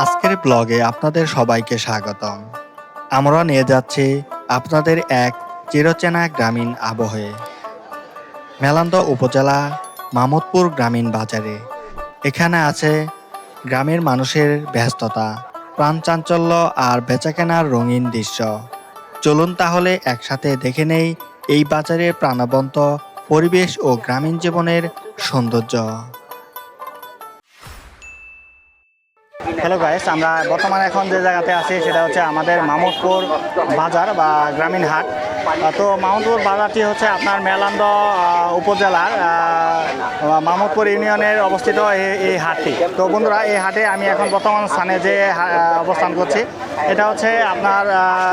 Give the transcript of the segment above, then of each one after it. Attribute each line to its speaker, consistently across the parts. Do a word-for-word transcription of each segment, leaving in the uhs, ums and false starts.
Speaker 1: আজকের ব্লগে আপনাদের সবাইকে স্বাগতম। আমরা নিয়ে যাচ্ছি আপনাদের এক চিরচেনা গ্রামীণ আবহে, মেলান্দ উপজেলা মামুদপুর গ্রামীণ বাজারে। এখানে আছে গ্রামের মানুষের ব্যস্ততা, প্রাণচাঞ্চল্য আর বেচাকেনার রঙিন দৃশ্য। চলুন তাহলে একসাথে দেখে নেই এই বাজারের প্রাণবন্ত পরিবেশ ও গ্রামীণ জীবনের সৌন্দর্য। হ্যালো গাইস, আমরা বর্তমানে এখন যে জায়গাতে আছি সেটা হচ্ছে আমাদের মামুদপুর বাজার বা গ্রামীণ হাট। তো মামুদপুর বাজারটি হচ্ছে আপনার মেলান্দ উপজেলার মামুদপুর ইউনিয়নের অবস্থিত এই হাটটি। তো বন্ধুরা, এই হাটে আমি এখন বর্তমান স্থানে যে অবস্থান করছি এটা হচ্ছে আপনার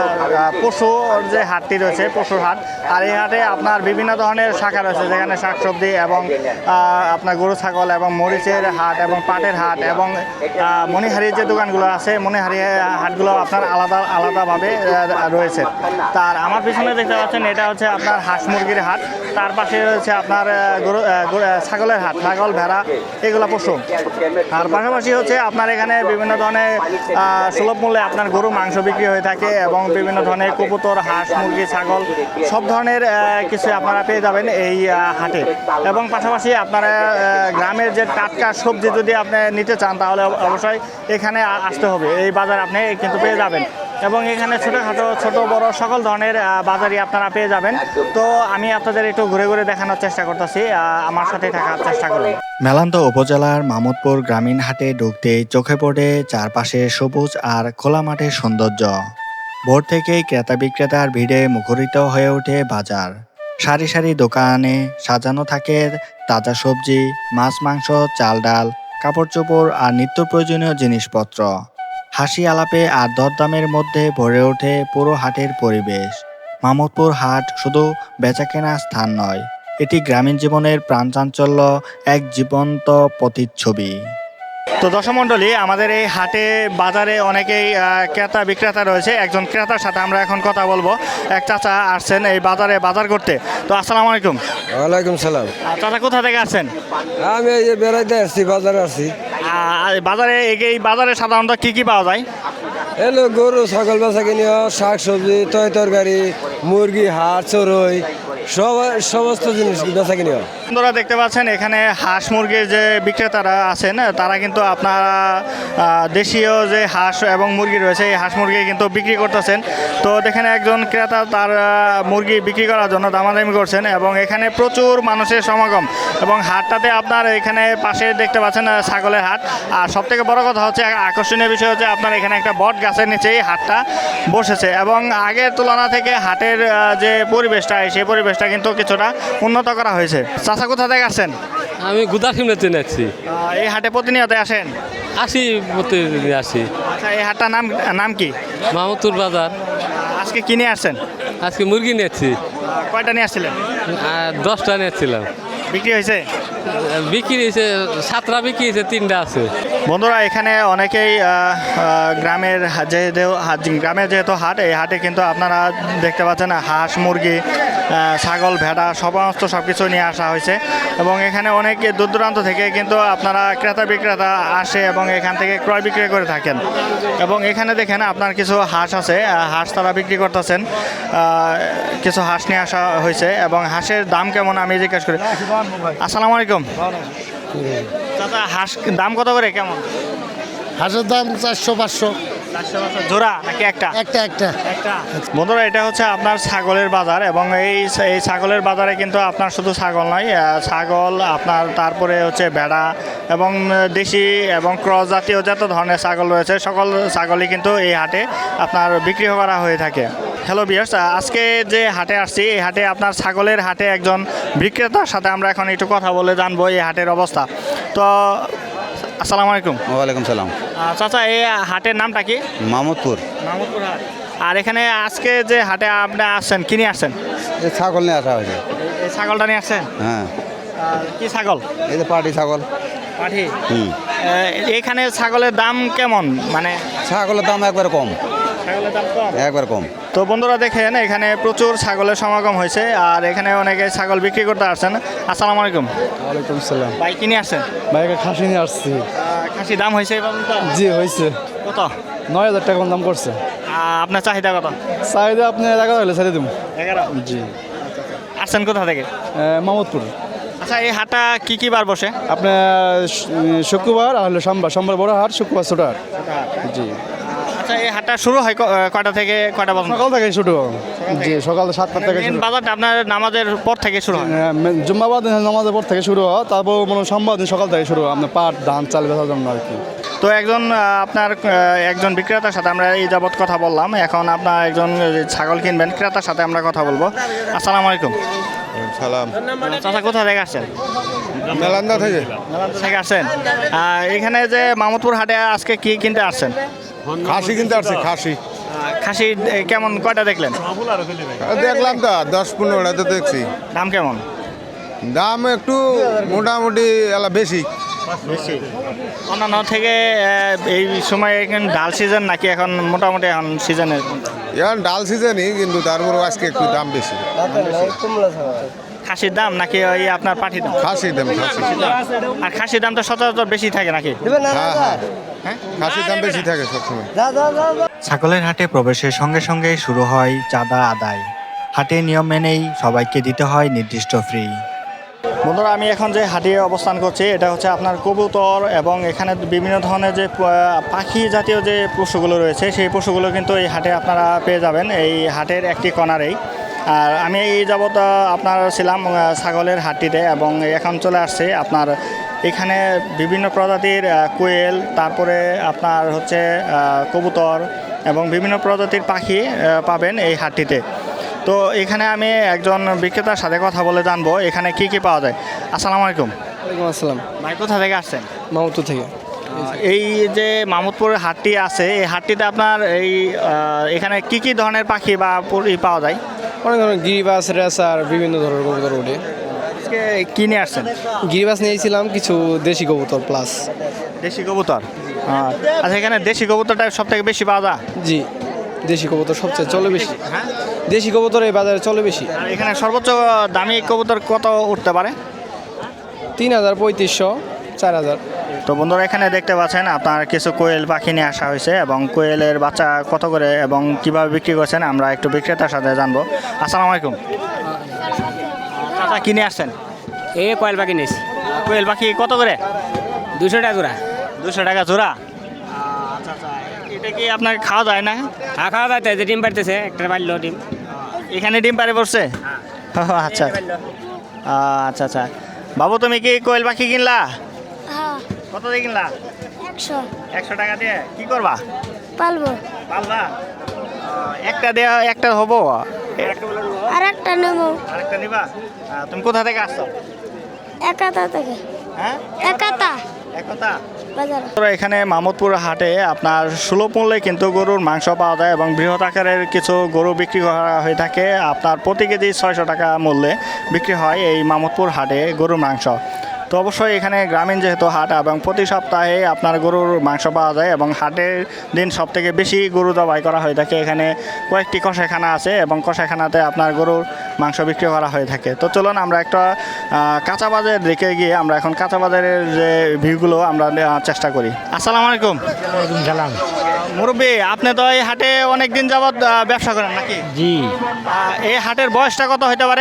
Speaker 1: পশুর যে হাটটি রয়েছে, পশুর হাট। আর এই হাটে আপনার বিভিন্ন ধরনের শাখা রয়েছে, যেখানে শাকসবজি এবং আপনার গরু ছাগল এবং মরিচের হাট এবং পাটের হাট এবং মণিহারির যে দোকানগুলো আছে, মণিহারি হাটগুলো আপনার আলাদা আলাদাভাবে রয়েছে। তার আমার পিছনে দেখতে পাচ্ছেন এটা হচ্ছে আপনার হাঁস মুরগির হাট। তার পাশে রয়েছে আপনার গরু ছাগলের হাট, ছাগল ভেড়া এগুলো পশু। আর পাশাপাশি হচ্ছে আপনার এখানে বিভিন্ন ধরনের সুলভ মূল্যে আপনার গরু মাংস বিক্রি হয়ে থাকে এবং বিভিন্ন ধরনের কবুতর, হাঁস মুরগি ছাগল সব ধরনের কিছু আপনারা পেয়ে যাবেন এই হাটে। এবং পাশাপাশি আপনারা গ্রামের যে টাটকা সবজি যদি আপনি নিতে চান তাহলে অবশ্যই এখানে আসতে হবে। এই বাজার আপনি কিন্তু পেয়ে যাবেন এবং এখানে ছোটোখাটো ছোট বড় সকল ধরনের বাজারই আপনারা পেয়ে যাবেন। তো আমি আপনাদের একটু ঘুরে ঘুরে দেখানোর চেষ্টা করতেছি, আমার সাথে থাকার চেষ্টা করুন। মেলান্দ উপজেলার মামুদপুর গ্রামীণ হাটে ঢুকতেই চোখে পড়ে চারপাশে সবুজ আর খোলা মাঠের সৌন্দর্য। ভোর থেকেই ক্রেতা বিক্রেতার ভিড়ে মুখরিত হয়ে ওঠে বাজার। সারি সারি দোকানে সাজানো থাকে তাজা সবজি, মাছ মাংস, চাল ডাল, কাপড় চোপড় আর নিত্য প্রয়োজনীয় জিনিসপত্র। হাসি আলাপে আর দরদামের মধ্যে ভরে ওঠে পুরো হাটের পরিবেশ। মামুদপুর হাট শুধু বেচাকেনার স্থান নয়, এটি গ্রামীণ জীবনের প্রাণচাঞ্চল্য এক জীবন্ত প্রতিচ্ছবি। তো দর্শক মণ্ডলী, আমাদের এই হাটে বাজারে অনেকেই ক্রেতা বিক্রেতা রয়েছে। একজন ক্রেতার সাথে আমরা এখন কথা বলবো। এক চাচা আসছেন এই বাজারে বাজার করতে। তো আসসালামু আলাইকুম।
Speaker 2: ওয়ালাইকুম সালাম।
Speaker 1: চাচা কোথা থেকে আসছেন?
Speaker 2: আমি এই যে বেড়াইতে আসছি, বাজারে আসছি।
Speaker 1: বাজারে এই বাজারে সাধারণত কি কি পাওয়া যায়?
Speaker 2: এলো গরু ছাগল বেচা কিনি, শাক সবজি, তয় তরকারি, মুরগি, হাঁস, চড়ই, সব সমস্ত জিনিস বেচা কিনি।
Speaker 1: আপনারা দেখতে পাচ্ছেন এখানে হাঁস মুরগির যে বিক্রেতারা আছেন তারা কিন্তু আপনারা দেশীয় যে হাঁস এবং মুরগি রয়েছে এই হাঁস মুরগি কিন্তু বিক্রি করতেছেন। তো দেখেন একজন ক্রেতা তার মুরগি বিক্রি করার জন্য দামাদামি করছেন এবং এখানে প্রচুর মানুষের সমাগম। এবং হাটটাতে আপনার এখানে পাশে দেখতে পাচ্ছেন ছাগলের হাট। আর সবথেকে বড় কথা হচ্ছে, আকর্ষণীয় বিষয় হচ্ছে আপনার এখানে একটা বট গাছের নিচেই হাটটা বসেছে এবং আগের তুলনা থেকে হাটের যে পরিবেশটা সেই পরিবেশটা কিন্তু কিছুটা উন্নত করা হয়েছে। চাচা কোথা থেকে আসছেন?
Speaker 3: আমি গুদাসিমলাতে যাচ্ছি।
Speaker 1: এই হাটে প্রতিনিয়ত আসেন?
Speaker 3: আসি, প্রতিদিন আসি।
Speaker 1: আচ্ছা, এই হাটটার নাম নাম কি?
Speaker 3: মামুদপুর বাজার।
Speaker 1: আজকে কিনে আসছেন?
Speaker 3: আজকে মুরগি নিয়েছি।
Speaker 1: কয়টা নিয়ে আসছিলেন?
Speaker 3: দশটা নিয়েছিলাম।
Speaker 1: বিক্রি হয়েছে?
Speaker 3: বিক্রি হয়েছে সাতটা, বিক্রি হয়েছে তিনটা আছে।
Speaker 1: বন্ধুরা, এখানে অনেকেই গ্রামের যেহেতু গ্রামের যেহেতু হাট, এই হাটে কিন্তু আপনারা দেখতে পাচ্ছেন হাঁস মুরগি ছাগল ভেড়া সমস্ত সব কিছু নিয়ে আসা হয়েছে এবং এখানে অনেক দূর দূরান্ত থেকে কিন্তু আপনারা ক্রেতা বিক্রেতা আসে এবং এখান থেকে ক্রয় বিক্রয় করে থাকেন। এবং এখানে দেখেন আপনার কিছু হাঁস আছে, হাঁস তারা বিক্রি করতেছেন। কিছু হাঁস নিয়ে আসা হয়েছে এবং হাঁসের দাম কেমন আমি জিজ্ঞেস করি। আসসালামু আলাইকুম। দাদা, হাঁস দাম কত করে কেমন?
Speaker 4: হাঁসের দাম চারশো পাঁচশো।
Speaker 1: জোড়া নাকি একটা?
Speaker 4: একটা একটা
Speaker 1: একটা। বন্ধুরা, এটা হচ্ছে আপনার ছাগলের বাজার এবং এই এই ছাগলের বাজারে কিন্তু আপনার শুধু ছাগল নয়, ছাগল আপনার তারপরে হচ্ছে ভেড়া এবং দেশি এবং ক্রস জাতীয় যত ধরনের ছাগল রয়েছে সকল ছাগলই কিন্তু এই হাটে আপনার বিক্রি করা হয়ে থাকে। হ্যালো ভিউয়ার্স, আজকে যে হাটে আসছি এই হাটে আপনার ছাগলের হাটে একজন বিক্রেতার সাথে আমরা এখন একটু কথা বলে জানবো এই হাটের অবস্থা। তো আসসালামু আলাইকুম।
Speaker 5: ওয়ালাইকুম সালাম।
Speaker 1: চাচা, এই হাটের নামটা কি?
Speaker 5: মামুদপুর।
Speaker 1: মামুদপুর হাট। আর এখানে আজকে যে হাটে আপনি আসছেন কিনে আসছেন?
Speaker 5: এই ছাগল নিয়ে আসা হয়েছে।
Speaker 1: এই ছাগলটা নিয়ে আসছেন?
Speaker 5: হ্যাঁ।
Speaker 1: কি ছাগল?
Speaker 5: এই যে পাটি ছাগল।
Speaker 1: পাঠি?
Speaker 5: হুম।
Speaker 1: এখানে ছাগলের দাম কেমন? মানে
Speaker 5: ছাগলের দাম একবার কম।
Speaker 1: ছাগলের দাম কম?
Speaker 5: একবার কম।
Speaker 1: তো বন্ধুরা দেখেন এখানে প্রচুর ছাগলের সমাগম হয়েছে আর এখানে অনেকে ছাগল বিক্রি করতে আসছেন। আসসালামু আলাইকুম।
Speaker 2: ওয়ালাইকুম সালাম।
Speaker 1: ভাই কিনে আসছেন?
Speaker 2: ভাই খাসি নিয়ে আসছি।
Speaker 1: কি খাসি দাম হয়েছে এবার তো?
Speaker 6: জি হয়েছে
Speaker 1: কত?
Speaker 6: নয় হাজার টাকা দাম করছে।
Speaker 1: আহ, আপনার চাহিদা কত?
Speaker 6: চাহিদা আপনি এগারো হলে ছেড়ে দেবো।
Speaker 1: এগারো।
Speaker 6: জি
Speaker 1: আসছেন কোথা থেকে?
Speaker 6: মামদপুর।
Speaker 1: আচ্ছা, এই হাটটা কি কি বার বসে?
Speaker 6: আপনার শ- শুক্রবার আর হলো সোমবার, সোমবার বড় হাট, শুক্রবার ছোট হাট। জি
Speaker 1: আচ্ছা, এই হাটটা শুরু হয় ক- কয়টা থেকে কয়টা পর্যন্ত?
Speaker 6: সকাল থেকে শুরু। জি সকাল সাতটা থেকে
Speaker 1: মেন
Speaker 6: শুরু।
Speaker 1: বাজারটা আপনার নামাজের পর থেকে শুরু হয়?
Speaker 6: জুম্মাবাদ নামাজের পর থেকে শুরু হয়, তারপর মনে হয় সোমবার দিন সকাল থেকে শুরু হয় আপনার পাট ধান চাল বেচার জন্য আর কি।
Speaker 1: তো একজন আহ, আপনার আহ, একজন বিক্রেতার সাথে আমরা এই যাবৎ কথা বললাম, এখন আপনার একজন যে ছাগল কিনবেন ক্রেতার সাথে আমরা কথা বলবো। আসসালামু আলাইকুম।
Speaker 5: সালাম।
Speaker 1: চাচা কোথা থেকে আসছেন?
Speaker 5: মেলান্দা থেকে।
Speaker 1: নালান্দা থেকে আসছেন। আহ, এখানে যে মামুদপুর হাটে আজকে কি কিনতে আসছেন?
Speaker 5: খাসি কিনতে আসছি খাসি।
Speaker 1: আহ, খাসি এ, কেমন কয়টা দেখলেন?
Speaker 5: দেখলাম তো দশ পনেরোটা তো দেখছি।
Speaker 1: দাম কেমন?
Speaker 5: দাম একটু মোটামুটি এলা বেশি।
Speaker 1: বেশি অন্যান্য থেকে আহ, এই সময় এখন ডাল সিজন নাকি এখন মোটামুটি এখন সিজনের?
Speaker 5: এখন ডাল সিজনই, কিন্তু তারপরেও আজকে একটু দাম বেশি।
Speaker 1: খাসির দাম নাকি ওই আপনার পাঠির দাম?
Speaker 5: খাসির দাম খাসি।
Speaker 1: আর খাসির দাম তো সচরাচর বেশি থাকে নাকি?
Speaker 5: হ্যাঁ হ্যাঁ খাসির দাম বেশি থাকে সবসময়।
Speaker 7: ছাগলের হাটে প্রবেশের সঙ্গে সঙ্গে শুরু হয় চাঁদা আদায়। হাটের নিয়ম মেনেই সবাইকে দিতে হয় নির্দিষ্ট ফ্রি।
Speaker 1: বন্ধুরা, আমি এখন যে হাটে অবস্থান করছি এটা হচ্ছে আপনার কবুতর এবং এখানে বিভিন্ন ধরনের যে প- পাখি জাতীয় যে পশুগুলো রয়েছে সেই পশুগুলো কিন্তু এই হাটে আপনারা পেয়ে যাবেন এই হাটের একটি কর্নারেই। আর আমি এই যাবৎ আহ, আপনার ছিলাম আহ, ছাগলের হাটটিতে এবং এখন চলে আসছে আপনার এখানে বিভিন্ন প্রজাতির আহ, কোয়েল, তারপরে আপনার হচ্ছে আহ, কবুতর এবং বিভিন্ন প্রজাতির পাখি আহ, পাবেন এই হাটটিতে। তো এখানে আমি একজন বিক্রেতার সাথে কথা বলে জানবো এখানে কি কি পাওয়া যায়। আসসালামু আলাইকুম
Speaker 6: ওয়ালাইকুম আসসালাম।
Speaker 1: ভাই, কোথা থেকে আসছেন?
Speaker 6: মামদপুর থেকে।
Speaker 1: এই যে মামুদপুরের হাটটি আছে এই হাটটিতে আপনার এই আহ, এখানে কি কি ধরনের পাখি বা ই পাওয়া যায়?
Speaker 6: অনেক ধরনের গিরিবাস রেসার বিভিন্ন ধরনের কবুতর ওঠে।
Speaker 1: আজকে কি নিয়ে আসছেন?
Speaker 6: গিরিবাস নিয়েছিলাম, কিছু দেশি কবুতর প্লাস।
Speaker 1: দেশি কবুতর। আহ, আচ্ছা, এখানে দেশি কবুতরটা সব থেকে বেশি পাওয়া যায়?
Speaker 6: জি দেশি কবুতর সবচেয়ে চলে বেশি।
Speaker 1: হ্যাঁ।
Speaker 6: দেশি কবুতর এই বাজারে চলে বেশি।
Speaker 1: আর এখানে সর্বোচ্চ দামি কবুতর কত উঠতে পারে?
Speaker 6: তিন হাজার পঁয়ত্রিশশো চার হাজার।
Speaker 1: তো বন্ধুরা, এখানে দেখতে পাচ্ছেন আপনার কিছু কোয়েল পাখি নিয়ে আসা হয়েছে এবং কোয়েলের বাচ্চা কত করে এবং কিভাবে বিক্রি করছেন আমরা একটু বিক্রেতার সাথে জানবো। আসসালামু আলাইকুম। চাচা, কিনে আসছেন?
Speaker 8: এ কয়েল পাখি নিয়েছি
Speaker 1: কোয়েল পাখি কত করে?
Speaker 8: দুশো টাকা জোড়া।
Speaker 1: দুশো টাকা জোড়া। আচ্ছা আচ্ছা, এটা কি আপনার খাওয়া যায় না?
Speaker 8: হ্যাঁ খাওয়া দাওয়া যে ডিম পাড়তেছে একটা পারলো ডিম।
Speaker 1: এখানে ডিম পারে পড়ছে? ও, আচ্ছা আচ্ছা আচ্ছা। বাবু, তুমি কি কোয়েল পাখি কিনলা?
Speaker 9: হ্যাঁ
Speaker 1: কত দিয়ে কিনলা?
Speaker 9: একশো
Speaker 1: একশো টাকা দিয়ে কি করবা?
Speaker 9: পালবো।
Speaker 1: পারলা? আহ, একটা দেওয়া একটা হবো,
Speaker 9: আর একটা নেবো
Speaker 1: আরেকটা নিবা? আহ, তুমি কোথা থেকে আসছো?
Speaker 9: একাতা থেকে।
Speaker 1: হ্যাঁ,
Speaker 9: একাতা
Speaker 1: একতা।
Speaker 9: বাজার।
Speaker 1: তোরা এখানে মামুদপুর হাটে আপনার সুলভ মূল্যে কিন্তু গরুর মাংস পাওয়া যায় এবং বৃহৎ আকারের কিছু গরু বিক্রি করা হয়ে থাকে আপনার প্রতি কেজি ছয়শো টাকা মূল্যে বিক্রি হয় এই মামুদপুর হাটে গরুর মাংস। তো অবশ্যই এখানে গ্রামীণ যেহেতু হাট এবং প্রতি সপ্তাহে আপনার গরুর মাংস পাওয়া যায় এবং হাটের দিন সব থেকে বেশি গরু জবাই করা হয়ে থাকে। এখানে কয়েকটি কষাইখানা আছে এবং কষাইখানাতে আপনার গরুর মাংস বিক্রি করা হয়ে থাকে। তো চলুন আমরা একটা আহ, কাঁচা বাজার দিকে গিয়ে আমরা এখন কাঁচা বাজারের যে ভিউগুলো আমরা নেওয়ার চেষ্টা করি। আসসালামু আলাইকুম।
Speaker 8: সালাম।
Speaker 1: মুরব্বী, আপনি তো এই হাটে অনেক দিন যাবৎ আহ, ব্যবসা করেন নাকি?
Speaker 8: জি
Speaker 1: আহ, এই হাটের বয়সটা কত হতে পারে?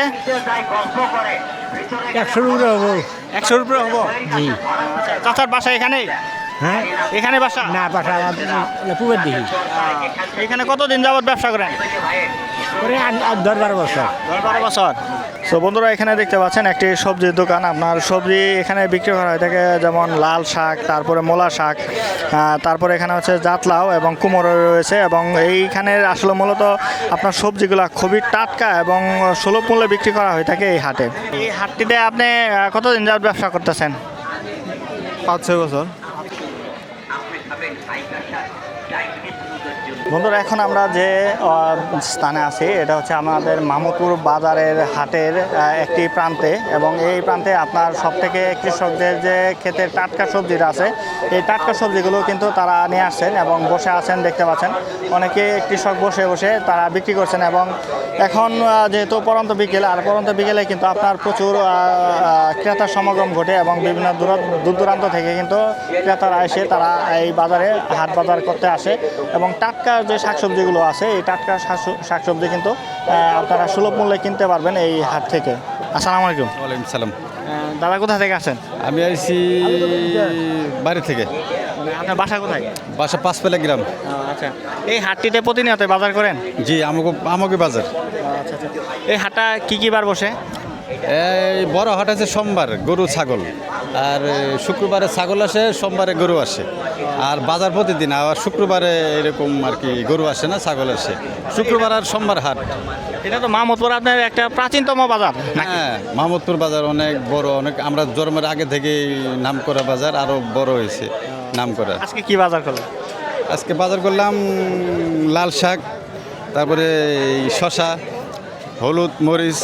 Speaker 8: একশোর উপরে হবো।
Speaker 1: একশোর উপরে হবো।
Speaker 8: জি।
Speaker 1: আচ্ছা, চাচার বাসা এখানেই?
Speaker 8: হ্যাঁ
Speaker 1: এখানে বাসা?
Speaker 8: না বাসা পুকুর দিকে
Speaker 1: এখানে কতদিন যাবৎ ব্যবসা করেন?
Speaker 8: করে দশ বারো বছর।
Speaker 1: দশ বারো বছর। তো বন্ধুরা, এখানে দেখতে পাচ্ছেন একটি সবজির দোকান। আপনার সবজি এখানে বিক্রি করা হয়ে থাকে, যেমন লাল শাক, তারপরে মূলা শাক, আহ, তারপরে এখানে হচ্ছে জাতলাও এবং কুমড়ো রয়েছে এবং এইখানে আসলে মূলত আপনার সবজিগুলো খুবই টাটকা এবং সুলভ মূল্যে বিক্রি করা হয়ে থাকে এই হাটে। এই হাটটিতে আপনি আহ, কতদিন যাবৎ ব্যবসা করতেছেন?
Speaker 5: পাঁচ ছয় বছর।
Speaker 1: বন্ধুরা, এখন আমরা যে আহ, স্থানে আছি এটা হচ্ছে আমাদের মামুদপুর বাজারের হাটের আহ, একটি প্রান্তে, এবং এই প্রান্তে আপনার সব থেকে কৃষকদের যে ক্ষেতের টাটকা সবজিটা আছে এই টাটকা সবজিগুলো কিন্তু তারা নিয়ে আসছেন এবং বসে আছেন, দেখতে পাচ্ছেন অনেকে কৃষক বসে বসে তারা বিক্রি করছেন। এবং এখন আহ, যেহেতু পরন্ত বিকেল, আর পরন্ত বিকেলে কিন্তু আপনার প্রচুর আহ, আহ, ক্রেতার সমাগম ঘটে এবং বিভিন্ন দূর দূর দূরান্ত থেকে কিন্তু ক্রেতারা এসে তারা এই বাজারে হাট বাজার করতে আসে, এবং টাটকা যে শাকসবজিগুলো আছে এই টাটকা শাকস- শাকসবজি কিন্তু আহ, আপনারা সুলভ মূল্যে কিনতে পারবেন এই হাট থেকে। আসসালামু আলাইকুম।
Speaker 6: ওয়ালাইকুম সালাম।
Speaker 1: আহ, দাদা কোথা থেকে আসেন?
Speaker 6: আমি আইছি বাড়ি থেকে,
Speaker 1: মানে আপনার বাসা কোথায়?
Speaker 6: বাসা পাঁচপেলা গ্রাম।
Speaker 1: আচ্ছা, এই হাটটিতে প্রতিনিয়ত বাজার করেন?
Speaker 6: জি, আমাকে আমাকে বাজার।
Speaker 1: আচ্ছা আচ্ছা, এই হাটটা কি কি বার বসে?
Speaker 6: এই বড় হাট আছে সোমবার, গরু ছাগল, আর শুক্রবারে ছাগল আসে, সোমবারে গরু আসে, আর বাজার প্রতিদিন। আর শুক্রবারে এরকম আর কি গরু আসে না, ছাগল আসে। শুক্রবার আর সোমবার হাট।
Speaker 1: এটা তো মাহমুদপুর আপনার একটা প্রাচীনতম বাজার নাকি?
Speaker 6: হ্যাঁ, মাহমুদপুর বাজার অনেক বড়, অনেক আমরা জন্মের আগে থেকে নাম করা বাজার, আরো বড় হয়েছে নাম করা।
Speaker 1: আজকে কি বাজার করলেন?
Speaker 6: আজকে বাজার করলাম লাল শাক, তারপরে এই শশা, হলুদ, মরিচ।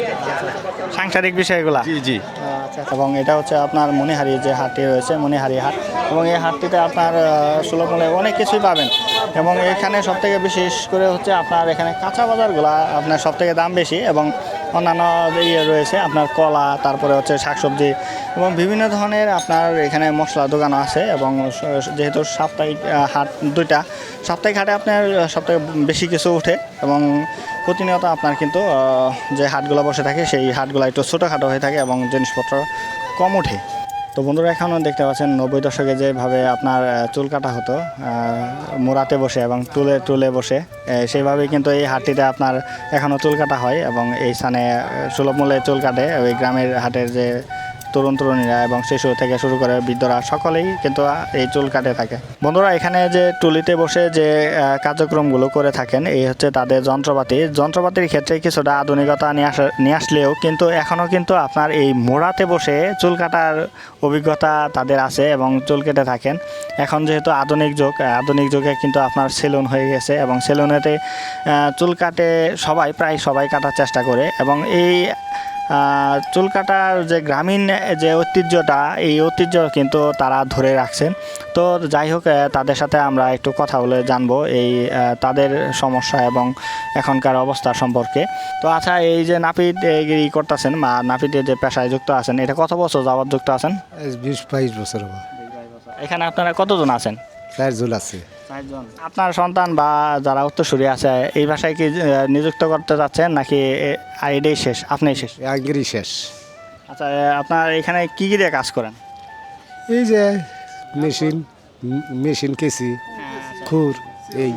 Speaker 1: সাংসারিক বিষয়গুলা।
Speaker 6: জি জি।
Speaker 1: আচ্ছা, এবং এটা হচ্ছে আপনার মণিহারি যে হাটটি রয়েছে, মণিহারি হাট, এবং এই হাটটিতে আপনার আহ, সুলভ মূল্যে অনেক কিছুই পাবেন। এবং এখানে সবথেকে বিশেষ করে হচ্ছে আপনার এখানে কাঁচা বাজারগুলা আপনার সবথেকে দাম বেশি, এবং অন্যান্য যে ইয়ে রয়েছে আপনার কলা, তারপরে হচ্ছে শাকসবজি এবং বিভিন্ন ধরনের আপনার এখানে মশলা দোকানও আছে। এবং স- যেহেতু সাপ্তাহিক আহ, হাট দুইটা, সাপ্তাহিক হাটে আপনার সবথেকে বেশি কিছু ওঠে, এবং প্রতিনিয়ত আপনার কিন্তু আহ, যে হাটগুলো বসে থাকে সেই হাটগুলো একটু ছোটোখাটো হয়ে থাকে এবং জিনিসপত্র কম ওঠে। তো বন্ধুরা, এখনও দেখতে পাচ্ছেন নব্বই দশকে যেভাবে আপনার আহ, চুল কাটা হতো আহ, মোড়াতে বসে এবং টুলে টুলে বসে, আহ, সেইভাবেই কিন্তু এই হাটটিতে আপনার এখনও চুল কাটা হয়, এবং এই স্থানে আহ, সুলভ মূল্যে চুল কাটে ওই গ্রামের হাটের যে তরুণ তরুণীরা এবং শিশু থেকে শুরু করে বৃদ্ধরা সকলেই কিন্তু এই চুল কাটে থাকে। বন্ধুরা, এখানে যে টুলিতে বসে যে আহ, কার্যক্রমগুলো করে থাকেন এই হচ্ছে তাদের যন্ত্রপাতি। যন্ত্রপাতির ক্ষেত্রে কিছুটা আধুনিকতা নিয়ে আসা নিয়ে আসলেও কিন্তু এখনও কিন্তু আপনার এই মোড়াতে বসে চুল কাটার অভিজ্ঞতা তাদের আছে এবং চুল কেটে থাকেন। এখন যেহেতু আধুনিক যুগ, আধুনিক যুগে কিন্তু আপনার সেলুন হয়ে গেছে, এবং সেলুনেতে আহ, চুল কাটে সবাই, প্রায় সবাই কাটার চেষ্টা করে। এবং এই আহ, চুল কাটার যে গ্রামীণ যে ঐতিহ্যটা, এই ঐতিহ্য কিন্তু তারা ধরে রাখছেন। তো যাই হোক, আহ, তাদের সাথে আমরা একটু কথা বলে জানবো এই আহ, তাদের সমস্যা এবং এখনকার অবস্থা সম্পর্কে। তো আচ্ছা, এই যে নাপিত ই করতেছেন বা নাপিতের যে পেশায় যুক্ত আছেন, এটা কত বছর যাবত যুক্ত আছেন?
Speaker 4: বিশ বাইশ বছর হবে।
Speaker 1: এখানে আপনারা কতজন আছেন?
Speaker 4: চার জন আছে।
Speaker 1: চারজন। আপনার সন্তান বা যারা উত্তরসূরি আছে এই ভাষায় কি আহ, নিযুক্ত করতে যাচ্ছেন নাকি এ- আর এটাই শেষ, আপনিই শেষ?
Speaker 4: আগেরই শেষ।
Speaker 1: আচ্ছা, আহ, আপনার এখানে কি কি দিয়ে কাজ করেন?
Speaker 4: এই যে মেশিন, মেশিন কেসি, খুর, এই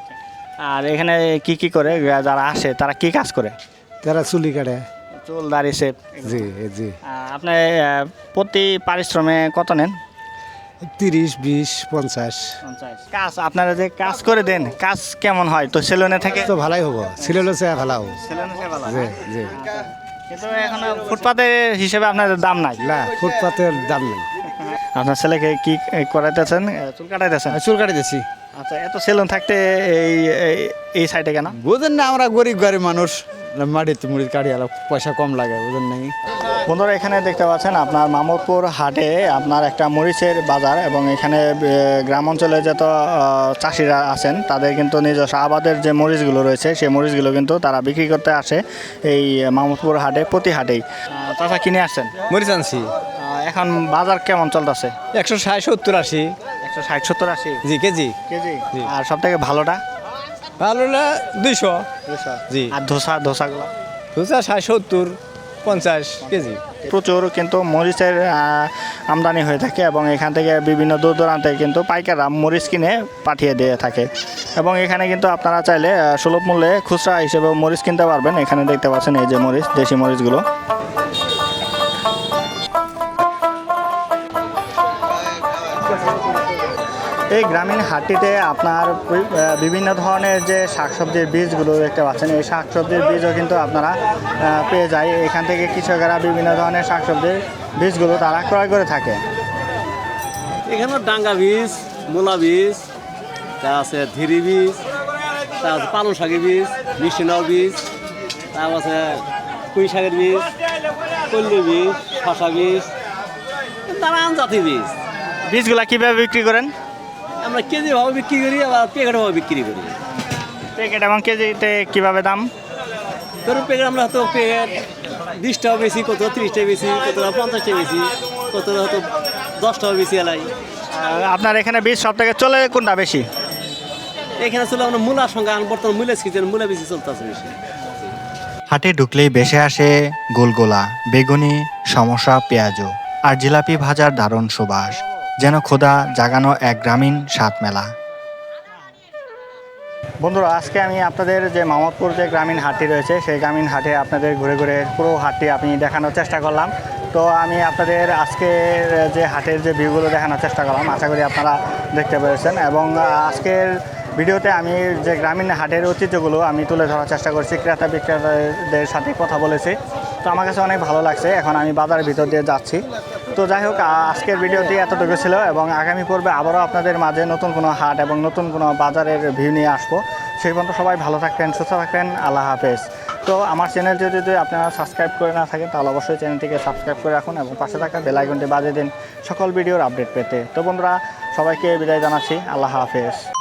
Speaker 1: আর এখানে কি কি করে যারা আসে তারা কি কাজ করে?
Speaker 4: তারা চুলি কাটে।
Speaker 1: চুল দাড়ি শেপ।
Speaker 4: জি জি।
Speaker 1: আপনি আহ, প্রতি পারিশ্রমে কত নেন?
Speaker 4: তিরিশ, বিশ, পঞ্চাশ।
Speaker 1: কাজ আপনারা যে কাজ করে দেন, কাজ কেমন হয়? তো সেলুনে থেকে
Speaker 4: তো ভালাই হবো, সিলেলো চেয়ে ভালো হবো।
Speaker 1: সেলুনে থেকে ভালো।
Speaker 4: জি জি।
Speaker 1: কিন্তু এখন ফুটপাতের হিসেবে আপনাদের দাম নাই।
Speaker 4: না, ফুটপাতের দাম নেই।
Speaker 1: আপনার ছেলেকে কি করাইতেছেন? চুল কাটাইতেছেন?
Speaker 2: চুল কাটি দিচ্ছি।
Speaker 1: আচ্ছা, এত সেলুন থাকতে এই এই- এই সাইডে কেন?
Speaker 2: বুঝেন না, আমরা গরিব গরিব মানুষ, মাটিতে মুড়ি কাটি আলো, পয়সা কম লাগে, বুঝেন নাকি?
Speaker 1: বন্ধুরা, এখানে দেখতে পাচ্ছেন আপনার মামুদপুর হাটে আপনার একটা মরিচের বাজার, এবং এখানে আহ, গ্রাম অঞ্চলে যত আহ, চাষিরা আছেন তাদের কিন্তু নিজস্ব আবাদের যে মরিচগুলো রয়েছে সেই মরিচগুলো কিন্তু তারা বিক্রি করতে আসে এই মামুদপুর হাটে, প্রতি হাটেই। চাষা কিনে আসছেন?
Speaker 2: মরিচ আনছি
Speaker 1: আহ, এখন বাজার কেমন চলতেছে?
Speaker 2: একশো ষাট সত্তর আশি।
Speaker 1: একশো ষাট সত্তর আশি
Speaker 2: জি কেজি।
Speaker 1: কেজি?
Speaker 2: জি।
Speaker 1: আর সব থেকে ভালোটা?
Speaker 2: ভালো না দুইশো। জি।
Speaker 1: আর ধোসা ধোসাগুলো?
Speaker 2: দুশো ষাট সত্তর পঞ্চাশ কেজি।
Speaker 1: প্রচুর কিন্তু মরিচের আহ, আমদানি হয়ে থাকে, এবং এখান থেকে বিভিন্ন দূর দূরান্তে কিন্তু পাইকাররা মরিচ কিনে পাঠিয়ে দিয়ে থাকে। এবং এখানে কিন্তু আপনারা চাইলে আহ, সুলভ মূল্যে খুচরা হিসেবে মরিচ কিনতে পারবেন। এখানে দেখতে পাচ্ছেন এই যে মরিচ, দেশি মরিচগুলো। এই গ্রামীণ হাটটিতে আপনার বি- আহ, বিভিন্ন ধরনের যে শাকসবজির বীজগুলো দেখতে পাচ্ছেন, এই শাকসবজির বীজও কিন্তু আপনারা আহ, পেয়ে যায়। এখান থেকে কৃষকেরা বিভিন্ন ধরনের শাকসবজির বীজগুলো তারা ক্রয় করে থাকে।
Speaker 3: এখানে ডাঙ্গা বীজ,
Speaker 2: মূলা বীজ, তা আছে ধীরি বীজ, তা আছে পালং শাকের বীজ, মিষ্টি নাও বীজ, তারপর আছে পুঁই শাকের বীজ, কল্লি বীজ, শশা বীজ, নানান জাতির বীজ।
Speaker 1: বীজগুলা কিভাবে বিক্রি করেন?
Speaker 2: আমরা কেজি ভাবে বিক্রি করি, আবার প্যাকেট ভাবে বিক্রি করি।
Speaker 1: প্যাকেট এবং কেজিতে কিভাবে দাম?
Speaker 2: ধরুন প্যাকেট আমরা হয়তো প্যাকেট বিশ টাকা বেশি, কত ত্রিশ টাকা বেশি, কত পঞ্চাশ টাকা বেশি, কত হয়তো দশ টাকা বেশি এলাই।
Speaker 1: আর আপনার এখানে বীজ সব থেকে চলে কোনটা বেশি?
Speaker 2: এখানে চলে আমরা মূলার সঙ্গে বর্তমান মূলা সিজন, মূলা বেশি চলতেছে বেশি।
Speaker 7: হাটে ঢুকলেই বেশে আসে গোলগোলা, বেগুনি, সমোসা, পেঁয়াজু আর জিলাপি ভাজার দারুণ সুবাস, যেন ক্ষুধা জাগানো এক গ্রামীণ স্বাদ মেলা।
Speaker 1: বন্ধুরা, আজকে আমি আপনাদের যে মামদপুর যে গ্রামীণ হাটটি রয়েছে সেই গ্রামীণ হাটে আপনাদের ঘুরে ঘুরে পুরো হাটটি আমি দেখানোর চেষ্টা করলাম। তো আমি আপনাদের আজকের যে হাটের যে ভিউগুলো দেখানোর চেষ্টা করলাম, আশা করি আপনারা দেখতে পেরেছেন। এবং আজকের ভিডিওতে আমি যে গ্রামীণ হাটের ঐতিহ্যগুলো আমি তুলে ধরার চেষ্টা করছি, ক্রেতা বিক্রেতাদের সাথে কথা বলেছি। তো আমার কাছে অনেক ভালো লাগছে। এখন আমি বাজারের ভিতর দিয়ে যাচ্ছি। তো যাই হোক, আজকের ভিডিওটি এতটুকু ছিল এবং আগামী পর্বে আবারও আপনাদের মাঝে নতুন কোনো হাট এবং নতুন কোনো বাজারের ভিউ নিয়ে আসবো। সেই পর্যন্ত সবাই ভালো থাকবেন, সুস্থ থাকবেন। আল্লাহ হাফেজ। তো আমার চ্যানেলটি যদি আপনারা সাবস্ক্রাইব করে না থাকেন তাহলে অবশ্যই চ্যানেলটিকে সাবস্ক্রাইব করে রাখুন এবং পাশে থাকা বেল আইকনটি বাজিয়ে দিন সকল ভিডিওর আপডেট পেতে। তো বন্ধুরা, সবাইকে বিদায় জানাচ্ছি। আল্লাহ হাফেজ।